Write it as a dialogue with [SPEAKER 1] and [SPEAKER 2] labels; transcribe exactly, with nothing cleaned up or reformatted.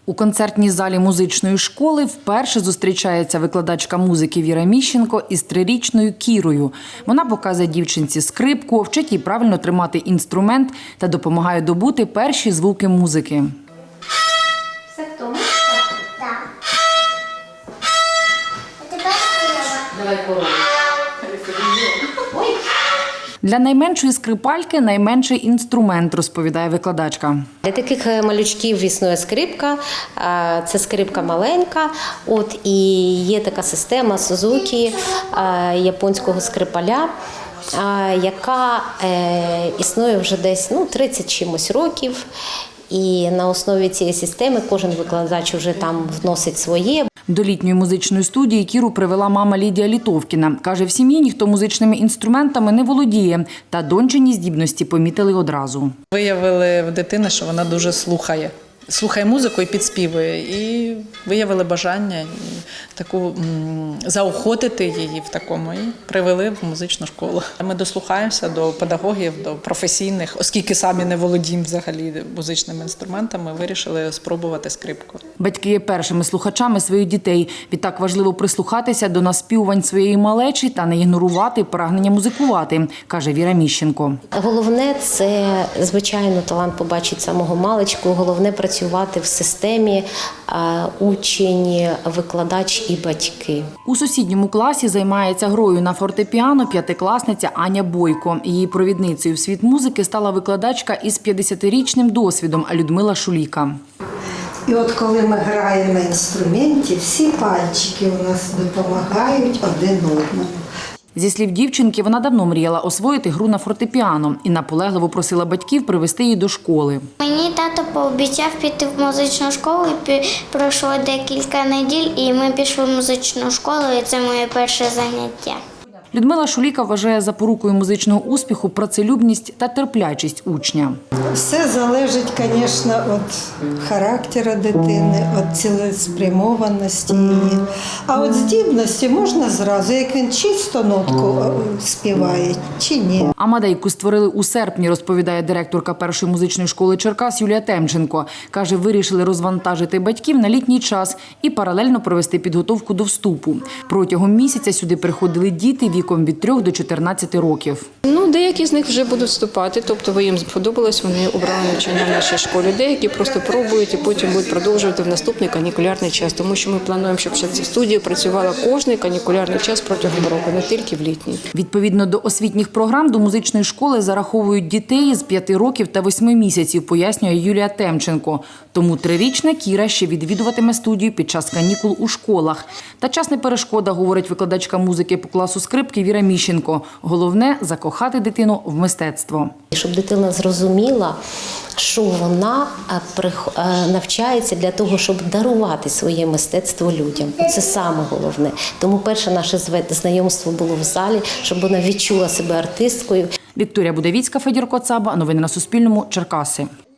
[SPEAKER 1] У концертній залі музичної школи вперше зустрічається викладачка музики Віра Міщенко із трирічною Кірою. Вона показує дівчинці скрипку, вчить їй правильно тримати інструмент та допомагає добути перші звуки музики.
[SPEAKER 2] Все в тому? Так. А тепер корова.
[SPEAKER 1] Давай корову. Для найменшої скрипальки найменший інструмент, розповідає викладачка.
[SPEAKER 3] Для таких малючків існує скрипка, це скрипка маленька. От, і є така система Сузукі, японського скрипаля, яка існує вже десь ну, тридцять чимось років. І на основі цієї системи кожен викладач вже там вносить своє.
[SPEAKER 1] До літньої музичної студії Кіру привела мама Лідія Літовкіна. Каже, в сім'ї ніхто музичними інструментами не володіє, та дончині здібності помітили одразу.
[SPEAKER 4] Виявили в дитини, що вона дуже слухає. Слухає музику і підспівує. І виявили бажання і таку м, заохотити її в такому і привели в музичну школу. Ми дослухаємося до педагогів, до професійних, оскільки самі не володіємо взагалі музичними інструментами, вирішили спробувати скрипку.
[SPEAKER 1] Батьки є першими слухачами своїх дітей. Відтак важливо прислухатися до наспівувань своєї малечі та не ігнорувати прагнення музикувати, каже Віра Міщенко.
[SPEAKER 3] Головне – це, звичайно, талант побачить самого маличку. Головне – працювати в системі учень, викладач і батьки.
[SPEAKER 1] У сусідньому класі займається грою на фортепіано п'ятикласниця Аня Бойко. Її провідницею в світ музики стала викладачка із п'ятдесятирічним досвідом Людмила Шуліка.
[SPEAKER 5] І от коли ми граємо на інструменті, всі пальчики у нас допомагають один одному.
[SPEAKER 1] Зі слів дівчинки, вона давно мріяла освоїти гру на фортепіано і наполегливо просила батьків привезти її до школи.
[SPEAKER 2] Мені тато пообіцяв піти в музичну школу, і пройшло декілька неділь, і ми пішли в музичну школу, і це моє перше заняття.
[SPEAKER 1] Людмила Шуліка вважає запорукою музичного успіху працелюбність та терплячість учня.
[SPEAKER 5] Все залежить, звісно, від характеру дитини, від цілеспрямованості її. А от здібності можна зразу, як він чисто нотку співає, чи ні.
[SPEAKER 1] Амадейку створили у серпні, розповідає директорка першої музичної школи Черкас Юлія Темченко. Каже, вирішили розвантажити батьків на літній час і паралельно провести підготовку до вступу. Протягом місяця сюди приходили діти віком від трьох до чотирнадцяти років.
[SPEAKER 6] Ну, деякі з них вже будуть вступати, тобто їм сподобалось, вони обрали навчання в нашій школі. Деякі просто пробують і потім будуть продовжувати в наступний канікулярний час, тому що ми плануємо, щоб ця студія працювала кожний канікулярний час протягом року, не тільки в літній.
[SPEAKER 1] Відповідно до освітніх програм, до музичної школи зараховують дітей з п'яти років та восьми місяців, пояснює Юлія Темченко. Тому трирічна Кіра ще відвідуватиме студію під час канікул у школах. Та час не перешкода, говорить викладачка музики по класу скрипки Віра Міщенко. Головне – закохати дитину в мистецтво.
[SPEAKER 3] Щоб дитина зрозуміла, що вона навчається для того, щоб дарувати своє мистецтво людям. Це саме головне. Тому перше наше знайомство було в залі, щоб вона відчула себе артисткою.
[SPEAKER 1] Вікторія Будавіцька, Федір Коцаба. Новини на Суспільному. Черкаси.